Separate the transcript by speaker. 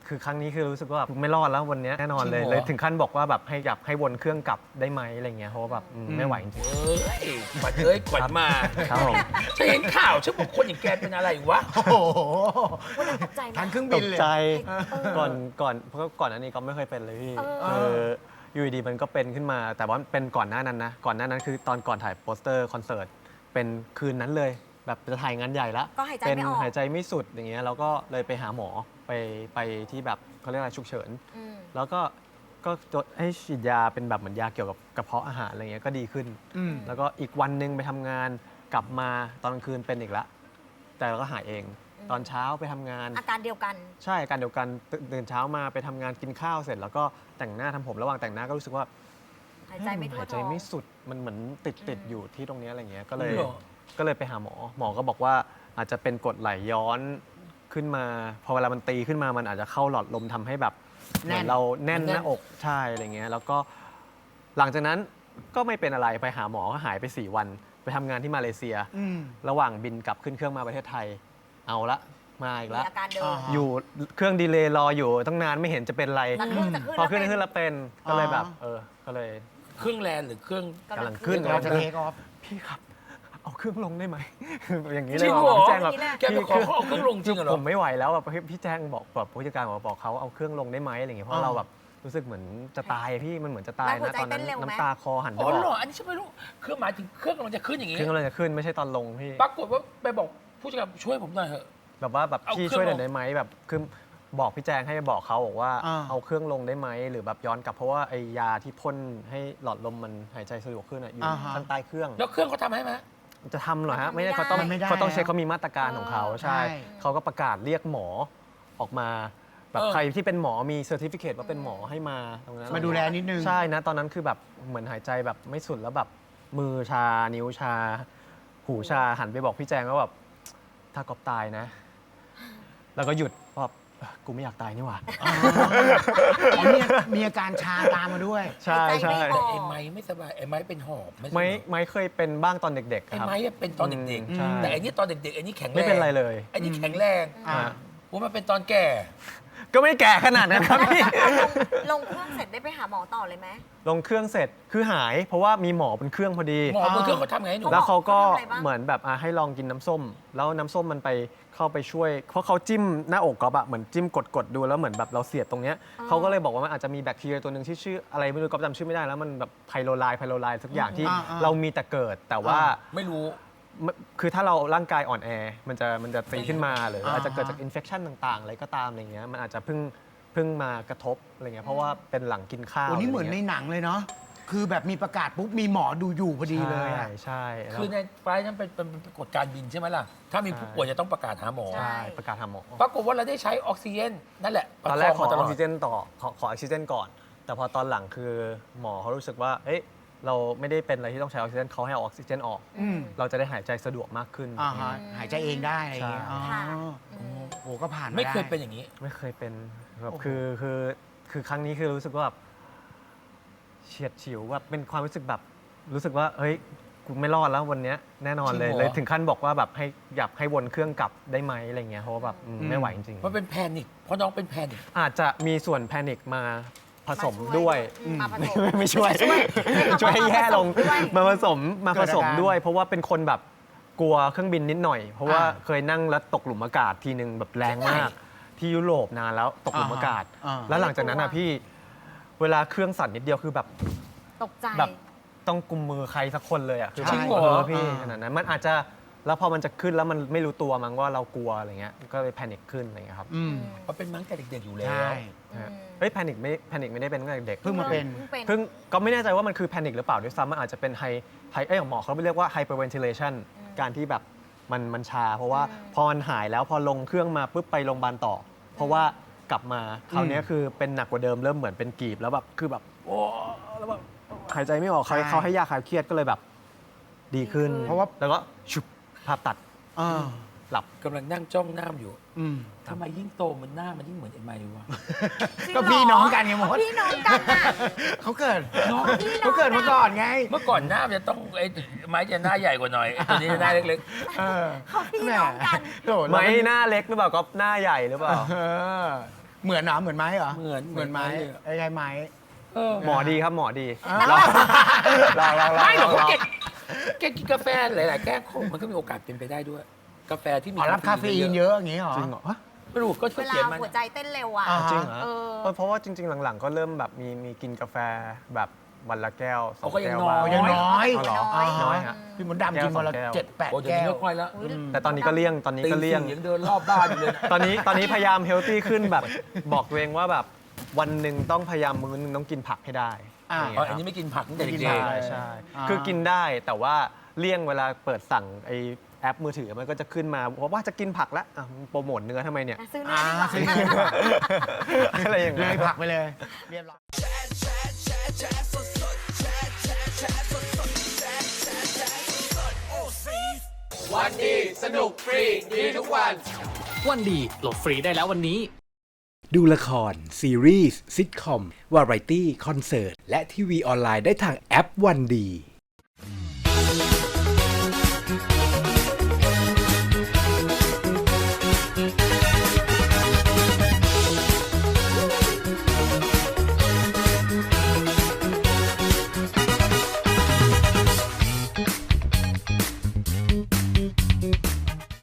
Speaker 1: คือครั้งนี้คือรู้สึกว่าไม่รอดแล้ววันนี้แน่นอนเลยถึงขั้นบอกว่าแบบให้อยากให้วนเครื่องกลับได้ไหมอะไรเงี้ยเพราะว่าแบบไม่ไหวจริง
Speaker 2: เอ้ยขวัญเอ้ยขวัญมา
Speaker 1: ๆครับผม
Speaker 2: ฉันเห็นข่าวฉันบอกคนอย่างแกเป็นอะไรวะ
Speaker 3: โอ้โห
Speaker 4: วันนั้นตกใจไหม
Speaker 3: ทันเครื่อง
Speaker 1: ต
Speaker 3: บิน
Speaker 1: ก
Speaker 3: เลย
Speaker 1: ใจ
Speaker 4: เออ
Speaker 1: เพราะก่อนอันนี้ก็ไม่เคยเป็นเลยพี่
Speaker 4: เออ
Speaker 1: คืออยู่ดีๆมันก็เป็นขึ้นมา แต่ว่าเป็นก่อนหน้านั้นนะก่อนหน้านั้นคือตอนก่อนถ่ายโปสเตอร์คอนเสิร์ตเป็นคืนนั้นเลยแบบจะถ่ายงานใหญ่ละ
Speaker 4: ก็หายใจ
Speaker 1: เป็น
Speaker 4: ไม่ออก
Speaker 1: หายใจไม่สุดอย่างเงี้ยแล้วก็เลยไปหาหมอไปที่แบบเขาเรียกอะไรฉุกเฉิน
Speaker 4: อืม
Speaker 1: แล้วก็ให้ฉีดยาเป็นแบบเหมือนยาเกี่ยวกับกระเพาะอาหารอะไรเงี้ยก็ดีขึ้น
Speaker 3: อืม
Speaker 1: แล้วก็อีกวันหนึ่งไปทำงานกลับมาตอนกลางคืนเป็นอีกละแต่เราก็หายเอง ตอนเช้าไปทำงาน
Speaker 4: อาการเดียวกัน
Speaker 1: ใช่อาการเดียวกันตื่นเช้ามาไปทำงานกินข้าวเสร็จ แล้วก็แต่งหน้าทำผมระหว่างแต่งหน้าก็รู้สึกว่า
Speaker 4: หายใจไม่ทั่ว
Speaker 1: หายใจ
Speaker 4: ท้อง
Speaker 1: ไม่สุดมันเหมือนติดอยู่ที่ตรงเนี้ยอะไรเงี้ยก็เลย
Speaker 2: เหรอ
Speaker 1: ก็เลยไปหาหมอหมอก็บอกว่าอาจจะเป็นกรดไหลย้อนขึ้นมาพอเวลามันตีขึ้นมามันอาจจะเข้าหลอดลมทำให้แบบเหมือนเราแน่นหน้าอกใช่อะไรเงี้ยแล้วก็หลังจากนั้นก็ไม่เป็นอะไรไปหาหมอก็หายไป4 วันไปทำงานที่มาเลเซีย
Speaker 3: อืม
Speaker 1: ระหว่างบินกลับขึ้นเครื่องมาประเทศไทยเอาละมาอีก
Speaker 4: มี
Speaker 1: ละ
Speaker 4: อาการเดิม
Speaker 3: อ่า
Speaker 1: อยู่เครื่องดีเลย์รออยู่ตั้งนานไม่เห็นจะเป็นไร
Speaker 4: แต่เครื่องจะขึ้น
Speaker 1: พอขึ้น
Speaker 4: แล้ว
Speaker 1: ขึ้นแล้วเป็นก็เลยแบบก็เลย
Speaker 2: เครื่องแลนหรือเครื่อง
Speaker 1: กำลังขึ้น
Speaker 3: เราจะเทคออฟ
Speaker 1: พี่ครับเอาเครื่องลงได้ไหม อย่างนี้
Speaker 2: จ
Speaker 1: เล
Speaker 2: ริ
Speaker 1: ย
Speaker 2: ง
Speaker 1: บ
Speaker 2: เหร
Speaker 1: อ
Speaker 2: อก
Speaker 1: พี่แจ้งแบบ
Speaker 2: แกไปขอเขาเอาเครื่องลงจริงเหร
Speaker 1: ผ
Speaker 2: อ
Speaker 1: มไม่ไหวแล้วแบบพี่แจ้งบอกผู้จัดการบอกเขาเอาเครื่องลงได้ไหมอะไรอย่างเงี้ยเพราะเราแบบรู้สึกเหมือนจะตายพี่มันเหมือนจะตาย
Speaker 4: แล้วหัว
Speaker 1: นะ
Speaker 4: ใจ
Speaker 1: ตอนนั้น
Speaker 4: เต้นเร็วไหม
Speaker 1: น้ำตาคอหันไป
Speaker 2: อ๋อบ
Speaker 1: อ
Speaker 2: เหร
Speaker 1: ก
Speaker 2: ออันนี้ฉันไม่รู้คือหมายถึงเครื่องกำลังจะขึ้นอย่าง
Speaker 1: เค
Speaker 2: งี้
Speaker 1: รื่องกำลังจะขึ้นไม่ใช่ตอนลงพี่
Speaker 2: ปรากฏว่าไปบอกผู้จัดการช่วยผมหน่อยเถอะ
Speaker 1: แบบว่าแบบ
Speaker 2: เอา
Speaker 1: พี่
Speaker 2: เครื่อง
Speaker 1: ช่วยหน่อ
Speaker 2: ล
Speaker 1: ย
Speaker 2: ง
Speaker 1: ได้ไหมแบบคือบอกพี่แจงให้บอกเขาบอกว่า
Speaker 3: อ่า
Speaker 1: เอาเครื่องลงได้ไหมหรือแบบย้อนกลับเพราะว่าไอยาที่พ่นให้หลอดลมมันหายใจสะดวกขึ้นอะอยู่
Speaker 3: อ่าฮะ
Speaker 1: ข้างใต้เครื่อง
Speaker 2: แล้วเครื่องเขาทำให้ไหม
Speaker 1: จะทำเหรอฮะ
Speaker 4: มันทำ
Speaker 1: ไม่ได้เขาต้อง
Speaker 3: ไม่ได้
Speaker 1: เขาต้องเช็ค
Speaker 3: แล้ว
Speaker 1: เขามีมาตรการของเขาใช่
Speaker 3: ใช่
Speaker 1: เขาก็ประกาศเรียกหมอออกมาแบบ
Speaker 2: เออ
Speaker 1: ใครที่เป็นหมอมีเซอร์ติฟิเคตว่าเป็นหมอให้มาตรงนั้น
Speaker 3: มาดูแลนิดนึง
Speaker 1: ใช่นะตอนนั้นคือแบบเหมือนหายใจแบบไม่สุดแล้วแบบมือชานิ้วชา หูชาหันไปบอกพี่แจงว่าแบบถ้ากอบตายนะ แล้วก็หยุดเพราะแบบกูไม่อยากตายนี่หว่า
Speaker 3: อ๋อมีอาการชาตามมาด้วย
Speaker 1: ใช่
Speaker 4: หายใจ
Speaker 1: ใช่
Speaker 4: ไม่อ
Speaker 2: แต่
Speaker 4: อก
Speaker 2: ไอ้ไม้ไม่สบายไอ้ไม้เป็นหอบไม่ใช่
Speaker 1: ไม่
Speaker 2: เหรอ
Speaker 1: ไม่เคยเป็นบ้างตอนเด็กๆ
Speaker 2: ไอ้
Speaker 1: ครับ
Speaker 2: ไม้อะเป็นตอนเด็ก
Speaker 1: ใช่
Speaker 2: ๆแต่อันนี้ตอนเด็กๆอันนี้แข็งแรง
Speaker 1: ไม่เป็นไรเลย
Speaker 2: อันนี้แข็งแรง
Speaker 3: อ่า
Speaker 2: ว่ามันเป็นตอนแก่
Speaker 1: ก็ไม่แก่ขนาดนั้นครับพี่
Speaker 4: ลงเครื่องเสร็จได้ไปหาหมอต่อเลยไหม
Speaker 1: ลงเครื่องเสร็จคือหายเพราะว่ามีหมอเป็นเครื่องพอดี
Speaker 2: หมอบนเครื่องเขาทำไงให้หนู
Speaker 1: แล้วเขาก็
Speaker 4: เขาทำอะไรบ้าง
Speaker 1: เหมือนแบบให้ลองกินน้ำส้ม แล้วน้ำส้มมันไปเข้าไปช่วย เพราะเขาจิ้มหน้าอกก๊อฟอะเหมือนจิ้มกดดูแล้วเหมือนแบบเราเสียดตรงเนี้ยเขาก็เลยบอกว่ามันอาจจะมีแบคทีเรียตัวหนึ่งที่ชื่ออะไรไม่รู้ก๊อฟจำชื่อไม่ได้แล้วมันแบบไพโรไลน์สักอย่างที่ เรามีแต่เกิด แต่ว่า
Speaker 2: ไม่รู้
Speaker 1: คือถ้าเราร่างกายอ่อนแอมันจะตีขึ้นมาหรือ
Speaker 3: อ่า
Speaker 1: อาจจะเกิดจากอินเฟคชันต่างๆอะไรก็ตามอะไรเงี้ยมันอาจจะเพิ่งมากระทบอะไรเงี้ยเพราะว่าเป็นหลังกินข้าว
Speaker 3: โอ้นี่เหมือนใน
Speaker 1: ะไรงี้ย
Speaker 3: หนังเลยเนาะ คือแบบมีประกาศปุ๊บมีหมอดูอยู่พอดีเลยอะ
Speaker 1: ใช่แล้ว
Speaker 2: คือในไฟล์นั้นเป็นกฎการบินใช่ไหมล่ะ ถ้ามีผู้ป่วยจะต้องประกาศหาหมอ
Speaker 4: ใช่
Speaker 1: ใช่ประกาศหาหมอ
Speaker 2: ปรากฏว่าเราได้ใช้ออกซิเจนนั่นแหละ
Speaker 1: ตอนแรกขอ
Speaker 2: ประ
Speaker 1: อ
Speaker 2: คง
Speaker 1: อก
Speaker 2: มา
Speaker 1: ซิเจนต่อขอออกซิเจนก่อน แต่พอตอนหลังคือหมอเขารู้สึกว่าเอ้ยเราไม่ได้เป็นอะไรที่ต้องใช้ออกซิเจนเขาให้เอาออกซิเจนออก
Speaker 3: อืม
Speaker 1: เราจะได้หายใจสะดวกมากขึ้น
Speaker 3: อ่าฮะหายใจเองได้อะไรอย่างเงี้ย
Speaker 1: ใช่
Speaker 3: อ๋อ
Speaker 4: ค่ะ
Speaker 3: โอ้ก็ผ่านมา
Speaker 2: ไม่เคย
Speaker 3: ด้
Speaker 2: เป็นอย่างนี้
Speaker 1: ไม่เคยเป็นแบบ
Speaker 3: โอ้โห
Speaker 1: คือครั้งนี้คือรู้สึกว่าแบบเฉียดฉิวแบบเป็นความรู้สึกแบบรู้สึกว่าเฮ้ยกูไม่รอดแล้ววันเนี้ยแน่นอนเลย
Speaker 2: จริงเหรอ
Speaker 1: เลยถึงขั้นบอกว่าแบบให้อยากให้วนเครื่องกลับได้ไหมอะไรเงี้ยเพราะว่าแบบไม่ไหวจริง
Speaker 2: มันเป็นแพนิคเพราะน้องเป็นแพนิค
Speaker 1: ๆอาจจะมีส่วนแพนิคมาผสม
Speaker 4: มาช่วย
Speaker 1: ด้วย
Speaker 4: มาผสม
Speaker 1: ไม่ช่วย ช่วยให้แย่ลง
Speaker 4: มาผสมด้วย
Speaker 1: มาผสมด้วย เพราะว่าเป็นคนแบบกลัวเครื่องบินนิดหน่อย เพราะว่า
Speaker 3: อ่า
Speaker 1: เคยนั่งแล้วตกหลุมอากาศทีนึงแบบแรงมาก ที่ยุโรปนานแล้วตกหลุมอากาศ
Speaker 3: อ่า
Speaker 1: แล้วหลังจากนั้นอ่ะพี่เวลาเครื่องสั่นนิดเดียวคือแบบ
Speaker 4: ตกใจ
Speaker 1: แบบต้องกุมมือใครสักคนเลยอ่ะคือ
Speaker 3: จริงเหรอ
Speaker 1: พี่
Speaker 3: อ่า
Speaker 1: ขนาดนั้นมันอาจจะแล้วพอมันจะขึ้นแล้วมันไม่รู้ตัวมั้งว่าเรากลัวอะไรเงี้ยก็เลยแพนิคขึ้นอะไรเงี้ยครับ
Speaker 3: อืม
Speaker 2: มันเป็นมั้งแต่เด็กๆอยู่แล้ว
Speaker 3: ใช่
Speaker 1: เฮ้ยแพนิคไม่ได้เป็นตั้งแต่เด็ก
Speaker 3: เพิ่งมาเป็น
Speaker 1: เพิ่งก็ไม่แน่ใจว่ามันคือแพนิคหรือเปล่าด้วยซ้ำมันอาจจะเป็นหมอเขาเรียกว่า hyperventilation การที่แบบมันชา เพราะว่าพอมันหายแล้วพอลงเครื่องมาปุ๊บไปโรงพยาบาลต่อ เพราะว่ากลับมาคราวนี้คือเป็นหนักกว่าเดิมเริ่มเหมือนเป็นกรีบแล้วแบบคือแบบโอ้แล้วแบบหายใจไม่ออกเขาให้ยาคลายเครียดก็เลยแบบดีขึ้น
Speaker 3: เพราะว่า
Speaker 1: แล้วก็ชุบภาพตัด
Speaker 3: อ่า
Speaker 1: หลับ
Speaker 2: กำลังนั่งจ้องหน้าอยู่
Speaker 3: อืม
Speaker 2: ทำไมยิ่งโตมันหน้ามันยิ่งเหมือนไอ้ไม้วะ
Speaker 3: ก็พี่น้องกันไงมด
Speaker 4: พี่น้องกันอ่ะ
Speaker 3: เขาเกิด
Speaker 2: น้อง
Speaker 3: เขาเกิดมาก่อนไง
Speaker 2: เมื่อก่อนหน้ามันจะต้องไอ้ไม้จะหน้าใหญ่กว่าหน่อยไอ้ตัวนี้จะหน้าเล็ก
Speaker 3: เออ
Speaker 4: เขาพี่น้องกัน
Speaker 3: โดด
Speaker 1: ไม่หน้าเล็กหรือเปล่าก็หน้าใหญ่หรือเปล่า
Speaker 3: เออเหมือนเหรอเหมือนไม้เหรอ
Speaker 2: เหมือน
Speaker 3: เหมือนไม้
Speaker 2: เลย
Speaker 3: ไอ้ไงไม้
Speaker 2: เออ
Speaker 1: หมอดีครับหมอดี
Speaker 3: อ่า
Speaker 1: ลอง
Speaker 2: ไม่หรอกแกกินกาแฟหลายๆแก้วมันก็มีโอกาสเป็นไปได้ด้วย กาแฟที่มี
Speaker 3: อ๋อรับคาเฟอีนเยอะอย่างงี้เหรอ
Speaker 1: จริงเหรอฮะ
Speaker 2: ไม่รู้ก็
Speaker 4: เวลา
Speaker 2: เขียนมัน
Speaker 4: หัวใจเต้นเร็วอ่ะ
Speaker 3: อ่า
Speaker 1: จริงเหรอ
Speaker 4: เออ
Speaker 1: เพราะว่าจริง ๆ หลังๆ ก็เริ่มแบบมีกินกาแฟแบบวันละแก้วสอง
Speaker 2: เขาก็ยัง
Speaker 1: แก้ว
Speaker 2: น้อย
Speaker 1: บ้าง
Speaker 3: ยังน้อย
Speaker 1: อ๋อเหรอ
Speaker 4: น้อย
Speaker 1: น้อยฮะ
Speaker 3: พี่มดดำกินวันละ
Speaker 1: แก้ว
Speaker 3: 7-8
Speaker 2: โอ้เดี๋ยว
Speaker 3: แก้
Speaker 2: นี้
Speaker 3: ว
Speaker 2: ไม่ค่อยแล้ว
Speaker 4: อุ๊ย
Speaker 1: แต่ตอนนี้ก็เลี่ยงตอนนี้
Speaker 2: ตี
Speaker 1: ก็เลี่ยง
Speaker 2: สี่ยังเดินรอบบ้านอยู่เลยนะ
Speaker 1: ตอนนี้พยายามเฮลตี้ขึ้นแบบบอกตัวเองว่าแบบวันหนึ่งต้องพยายามมื้อนึงต้องกินผักให้ได้
Speaker 3: อ่า
Speaker 1: ย่าง
Speaker 2: อ๋อ
Speaker 1: เงี้ย
Speaker 2: อันนี้ไม่กินผักตั้งแต่
Speaker 3: ไม่กิน
Speaker 2: เด็ก
Speaker 3: ผัก
Speaker 1: ใช่ใช่
Speaker 3: อ่า
Speaker 1: คือกินได้แต่ว่าเลี่ยงเวลาเปิดสั่งไอแอปมือถือมันก็จะขึ้นมาว่าจะกินผักแล้วอ่ะมึงโปรโมทเนื้อทำไมเนี่ย
Speaker 4: ซื้อเนื้อดีกว่า
Speaker 3: ซื้อเนื้อดีกว่า
Speaker 1: อะไรอย่าง
Speaker 3: เล
Speaker 1: เงี้ย
Speaker 3: ยผลักไปเลยเรียบร้อย
Speaker 5: วันดีสนุกฟรีดีทุกวัน
Speaker 6: วันดีโหลดฟรีได้แล้ววันนี้
Speaker 7: ดูละคร ซีรีส์ซิทคอม วาไรตี้ คอนเสิร์ต และทีวีออนไลน์ได้ทางแอปวันดี